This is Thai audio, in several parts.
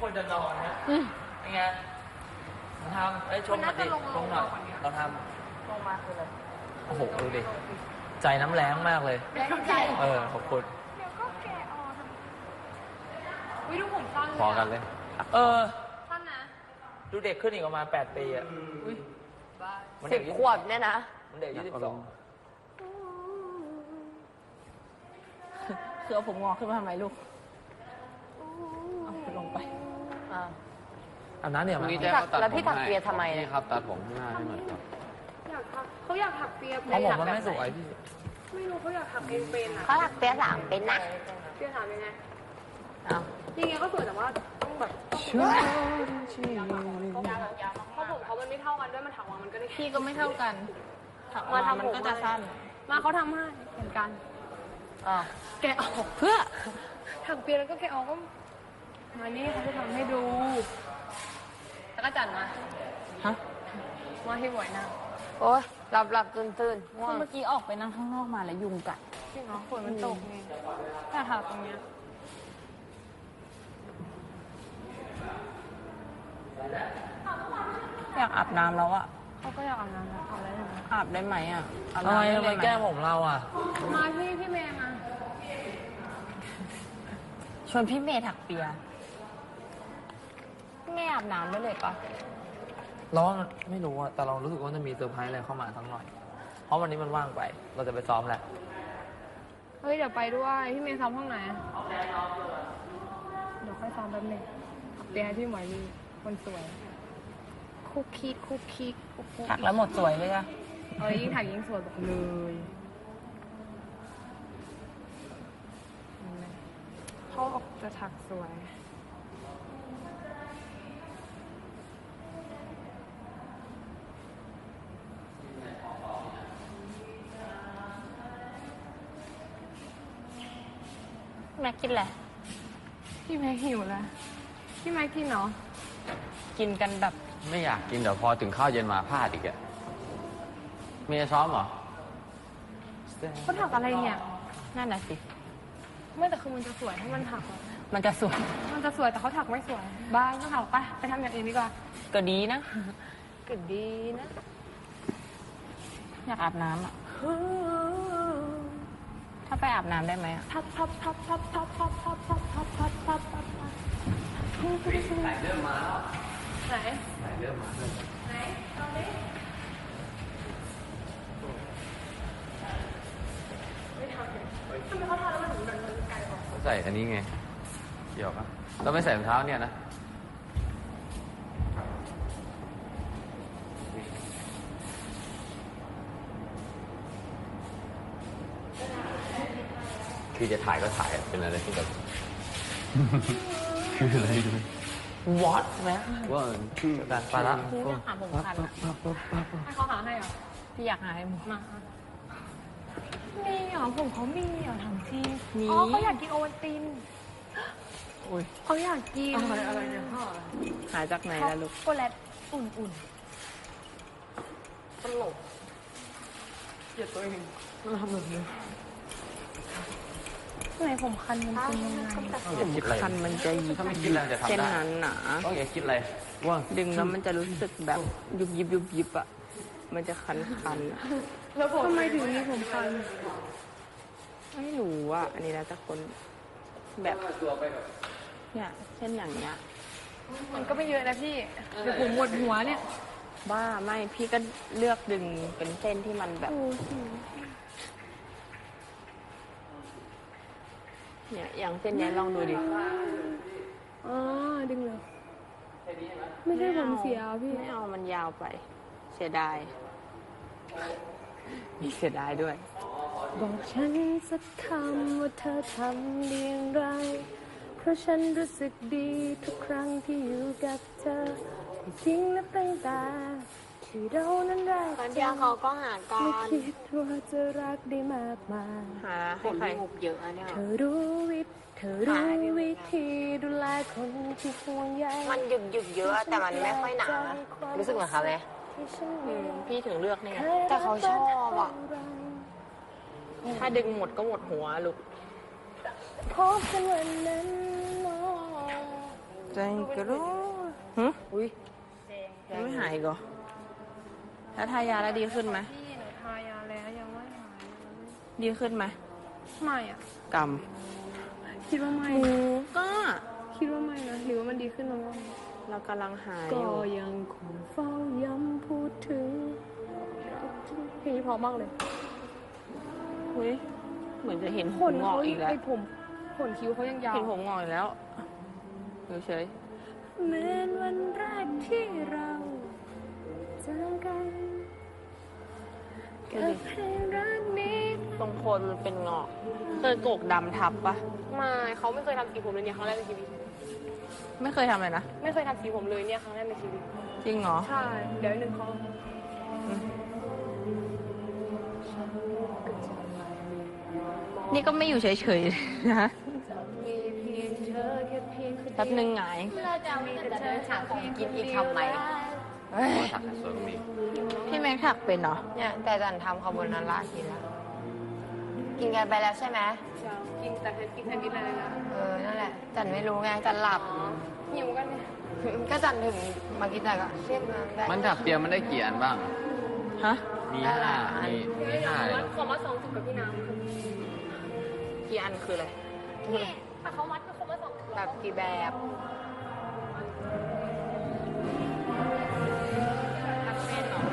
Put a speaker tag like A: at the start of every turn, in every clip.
A: ควรจะนอนนะยังไงทำชมมาดิชมหน่อยเราทำลงมาคืออะไรโอ้โหดูดิใจน้ำแรงมากเลยขอบคุณ
B: เดี๋ยวก็แกะออกวิดูผมสั้นเลย
C: พอกันเลย
B: สั้นนะ
A: ดูเด็กขึ้นอีกประมาณ8 ปีอ่ะ
D: 10 ขวบเนี่ยนะ
A: มันเด็ก22
D: คือเอาผมงอกขึ้นมาทำไมลูกเอาลงไป
A: อันนั้นเนี่ย
D: แล้วพี่ถักเปียทำไม
C: นี่ครับตัดผมข้างหน้าให้หน่อยครับ
B: เขาอยากถักเปีย
A: เพราะผมมันไม่สวยพี่
B: ไม่รู้เขาอยากถักเองเป็นอ่ะ
D: เขาถักเปียถามเป็นนะ
B: เปียถามยังไง
D: จ
B: ริงๆก็สวยแต่ว่าต้องแบบเพราะผมเขามันไม่เท่ากันด้วยมันถักมามันก็ได้
D: พี่ก็ไม่เท่ากันถักมามันก็จะสั้น
B: มาเขาทำให้เหมือนกันแกะออก
D: เพื่อ
B: ถักเปียแล้วก็แกะออกก็มานี่เขาจะทำให้ดูแล้วก็จัดมาว่าให้บ่อยนะ
D: โอ๊ยหลับตื่น
B: เมื่อกี้ออกไปนั่งข้างนอกมาแล้วยุงกัดจริงเหรอฝนมันตกไงแต่ถักตรงเนี้ย
D: อยากอาบน้ำแล้วอะ
B: เขาก็อยากอาบน้ำแล้ว
D: อาบได้ไหมอะ
A: อะไรทำไมแก้ผมเราอะ
B: มาพี่เมย์มา
D: ชวนพี่เมย์ถักเปียพี่เมย์อาบน้ำได้เลยปะ
A: เราไม่รู้อะแต่เรารู้สึกว่าจะมีเซอร์ไพรส์อะไรเข้ามาทั้งหน่อยเพราะวันนี้มันว่างไปเราจะไปซ้อมแหละ
B: เฮ้ยเดี๋ยวไปด้วยพี่เมย์ซ้อมห้องไหนเดี๋ยวค่อยซ้อมแป๊บนึงเปียให้พี่หมวยลีคนสวยคุกคิก
D: ถักแล้วหมดสวยเลยอะ
B: ยิ่งถักยิ่งสวยบอกเลยเขาออกจะถักสวย
D: แม็กกินแหละ
B: พี่แม็กหิวแล้วพี่แม็กกินเนาะ
D: กินกันแบบ
C: ไม่อยากกินเดี๋ยวพอถึงข้าวเย็นมาพลาดอีกอะเมียซ้อมเหรอ
B: เขาถักอะไรเนี่ย
D: นั่นน่ะสิ
B: ไม่แต่คือมันจะสวยถ้ามันถัก
D: มันจะสวย
B: แต่เขาถักไม่สวยบ้างก็ถักไปทำอย่างอื่นดีกว่า
D: ก็ดีนะอยากอาบน้ำอ่ะถ้าไปอาบน้ำได้ไหมอ่ะ
B: พับ
C: ไหนเริ่มมาแล้ว
B: ไหน
C: เริ่มมา
B: ไหนตอนนี้ไม่ทำเลยทำไมเขาทำแล้วมันถึงมันไกลออก
C: ใส่อันนี้ไงเกี่ยวปะเราไม่ใส่รองเท้าเนี่ยนะคือจะถ่ายก็ถ่ายเป็นอะไรที่แบบคืออะไรดู
A: วอตไหม
C: ว่า
A: คือการปาระ
D: พี่อยากหาผมคัน
B: ให้เขาหาให้เหรอ
D: พี่อยากหาให้ผม
B: มามีเหรอผมเขามีเหรอทำที่
D: มี
B: เขาอยากกินโอวัลตินเขาอยากกินอะไรเนี่ยพ่อ
D: หาจากไหนล่ะลูก
B: โกแลตอุ่น
A: ตลกเกลียดตัวเองมันทำแบบนี้
B: ทำไมผมคันมันเป็นยังไง
D: คันมันจะยิบเส้นนั้นหนา
C: ต้องอย่าคิดอะไรว่า
D: ดึงแล้วมันจะรู้สึกแบบยุบอ่ะมันจะคัน
B: แล้วทำไมถึงมีผมคัน
D: ไม่รู้อ่ะอันนี้แล้วแต่คนแบบเนี่ยเช่นอย่างเงี้ย
B: มันก็ไม่เยอะนะพี่เดี๋ยวผมหมดหัวเนี่ย
D: บ้าไม่พี่ก็เลือกดึงเป็นเส้นที่มันแบบเนี่ยอย่างเส้นนี้ลองดูดิ
B: ดึงเลยไม่ใช่ผมเสียพี่
D: ไม่เอามันยาวไปเสียดายมีเสียดายด้วย
B: บอกฉันสักคำว่าเธอทำเรื่องไรเพราะฉันรู้สึกดีทุกครั้งที่อยู่กับเธอจริงและตั้งแต่ที่เรานั้นแรก
D: ตอนเดียวเขาก็หากัน
B: ไม่คิดว่าจะรักได้มากมาย
D: หาให้ใครเยอะเนี่ย
B: เธอรู้วิธีดูแลคนที่ห่วงใย
D: มันหยุดเยอะแต่มันไม่ค่อยหนารู้สึกเหมือนเขาไหมพี่ถึงเลือกเนี่ยแต่เขาชอบอ่ะถ้าดึงหมดก็หมดหัวลูก
B: พบกันวันนั้น
D: ใจกระโดดอุ้ยยังไม่หายอีกเหรอแล้วทายาแล้วดีขึ้นไหม
B: พี่หนูทายาแล้วยังไม่หาย
D: ดีขึ้นไหม
B: ไม่อ่ะ
D: กรรม
B: คิดว่าไม่
D: ก็
B: คิดว่าไม่นะหรือว่ามันดีขึ้นแล้ว
D: เรากำลังหายอ
B: ก็
D: ยู่
B: ยังคงเฝ้าย้ำพูดถึงเพลงนี้เพราะมากเลย
D: อุ้ยเหมือนจะเห็น
B: ข
D: ผม
B: น
D: งอ
B: เขา
D: กอีกแล้ว
B: ไอ้ผมขนคิ้วเขายังยาว
D: เห็นผมงอกอีกแล้วดูเฉย
B: เหมือนวันแรกที่เราเจอกันกับเพลงรักนี้
D: ตรงโคนมันเป็นงอกเคยโกกดำทับปะ
B: ไม่เขาไม่เคยทำสีผมเลยเนี่ยครั้งแรกในชีวิต
D: ไม่เคยทำเลยนะ
B: ไม่เคยทำสีผมเลยเนี่ยครั้งแรกในชีวิต
D: จริงเหรอ
B: ใช่ เดี๋ยวหนึ่งเขา
D: นี่ก็ไม่อยู่เฉยๆนะ
B: มีเพียงเธอแค่เพียงคน
D: แป๊บนึงหงาย
B: เราจะมีแต่เธอถามของกินอีกทำไหม
C: ถักสวยก็มี
D: พี่แม็กถักเป็นเหรอ
E: เนี่ยแต่จันทำคาโบนาร่ากินแล้ว กินกันไปแล้วใช่ไหม
B: กินแต่เพชรกินแค่กินอะไรนะ
E: นั่นแหละ จันไม่รู้ไง จันหลับ
B: หิวกันเนี่ย
E: ก็จันถึงมากินแต่ก็เรียกมาได้
C: มันถักเปียมันได้กี่อันบ้าง
D: ฮะ
C: มีห้ามีห้าเลย
B: ขอมา2 จุดกับพี่น้
D: กี่อันคืออะไร
B: ำนี่แต่เขามัดก็เขามา2 จุด
E: แบบกี่แบบ
D: ทักเส้นเหรอ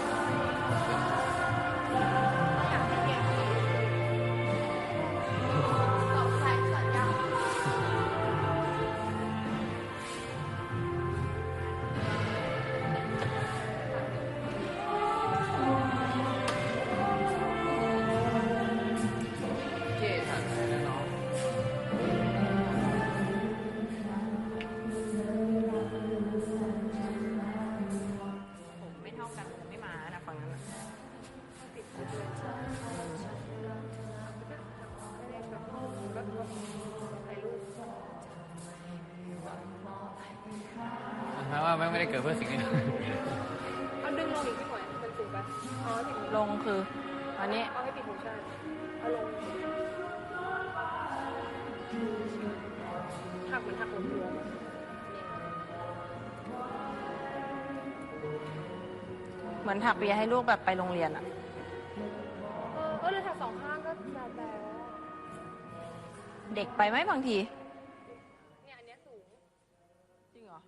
C: เจ๊ถักอะไรนะน้อง
D: ผมไม่เท่ากันผมไม่มานะฝั่งนั้นน่ะ
C: แม้ว่าแม่งไม่ได้เกิดเพื่อสิ่งนี้
B: เอาดึงลงอีกพี่หน่อยมันสูงไปอ๋อติด
D: ลงคือ อันนี้
B: เอาให้ติดหูใช่เอาลงหักเหมือนหักหัวตัว
D: เหมือนถักเปียให้ลูกแบบไปโรงเรียนอะ
B: เลยถัก2 ข้างก็แบบแบบ
D: เด็กไปไหมบางที
B: เนี่ยอันเนี้ยสูง
D: จริงเหรอ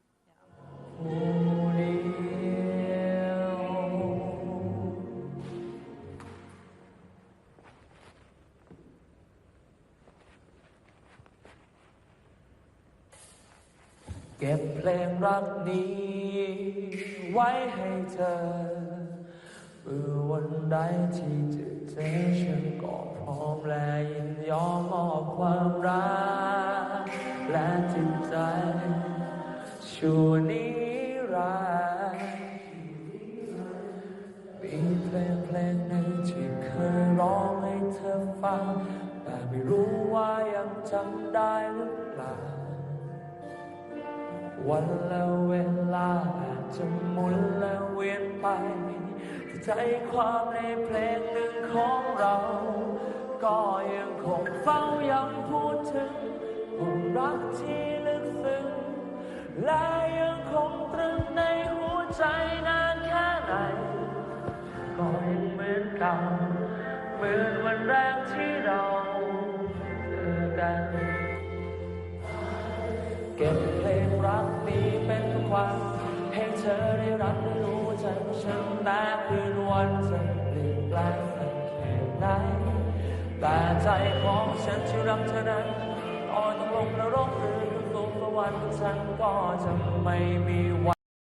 A: เก็บเพลงรักนี้ไว้ให้เธอเมื่อวันใดที่จะเจอฉันก็พร้อมและยินยอมมอบความรักและจิตใจชั่วนิรันดร์มีเพลงหนึ่งที่เคยร้องให้เธอฟังแต่ไม่รู้ว่ายังจำได้หรือเปล่า วันและเวลาอาจจะหมุนและเวียนไปแต่ใจความในเพลงหนึ่งของเรา ก็ยังคงเฝ้าย้ำพูดถึงความรักที่ลึกซึ้งและยังคงตรึงในหัวใจนานแค่ไหนก็ยังเหมือนเก่าเหมือนวันแรกที่เราเจอกัน เก็บเพลงรักนี้เป็นความให้เธอได้รับได้รู้ใจของฉันแม้คืนวันจะเปลี่ยนแปลงสักแค่ไหนแต่ใจของฉันที่รักเธอนั้นอ่อนต้องลงนรกหรือสู่สวรรค์ฉันก็จะไม่มีวัน